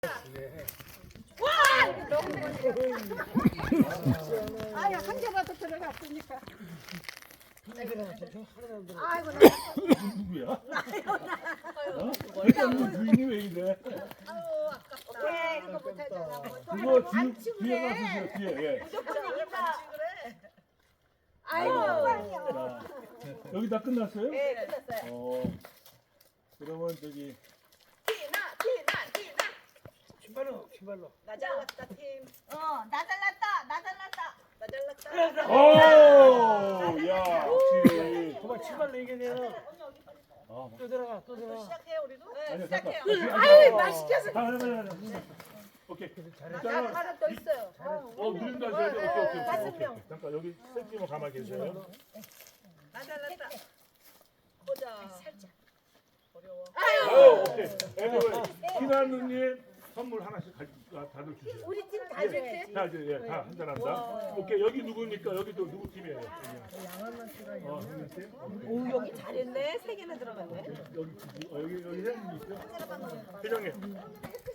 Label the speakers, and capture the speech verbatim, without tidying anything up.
Speaker 1: 아야 한 개라도 들어갔으니까. 아이고 나
Speaker 2: 누구야? 어? 일단 주인이 왜 이래?
Speaker 1: 왜 이거 못하잖아.
Speaker 2: 그거 뒤, 뒤에 가주세요. 뒤에. 예.
Speaker 1: 아이고
Speaker 2: 자, 여기 다 끝났어요?
Speaker 1: 네 끝났어요.
Speaker 2: 어. 그러면 저기
Speaker 1: 티나 티나 티나.
Speaker 3: 신발로 신발로.
Speaker 1: 나 잘났다 팀. 어나 잘났다 나 잘났다 나 잘났다.
Speaker 2: 오! 야, 역시.
Speaker 3: 그만 신발로 이겨내요.
Speaker 2: 아,
Speaker 3: 또 들어가 또 들어가.
Speaker 1: 시작해 우리도. 네
Speaker 2: 아니야, 잠깐.
Speaker 1: 시작해요.
Speaker 2: 아유,
Speaker 1: 맛있겠어.
Speaker 2: 아, 아니, 아니, 아니. 오케이.
Speaker 1: 나
Speaker 2: 일단은
Speaker 1: 하나 더 있어요.
Speaker 2: 어, 누른다 하셔야 돼. 오케이, 오케이, 오케이.
Speaker 1: 다섯
Speaker 2: 오케이.
Speaker 1: 명.
Speaker 2: 잠깐 여기 셀프만 가만히 계세요.
Speaker 1: 나 잘났다. 보자. 살짝. 어려워.
Speaker 2: 어, 오케이. 애들 희나 누님 선물 하나씩 가, 아, 다들 주세요.
Speaker 1: 우리 팀 다 줘야지.
Speaker 2: 자, 이제 예, 다 한잔 한다. 오케이. 여기 누구입니까? 여기도 누구 팀이에요? 어, 형님 팀?
Speaker 1: 오 여기 잘했네. 세 개나 들어갔네.
Speaker 2: 여기 어, 여기 여기 회장님 있죠? 회장님.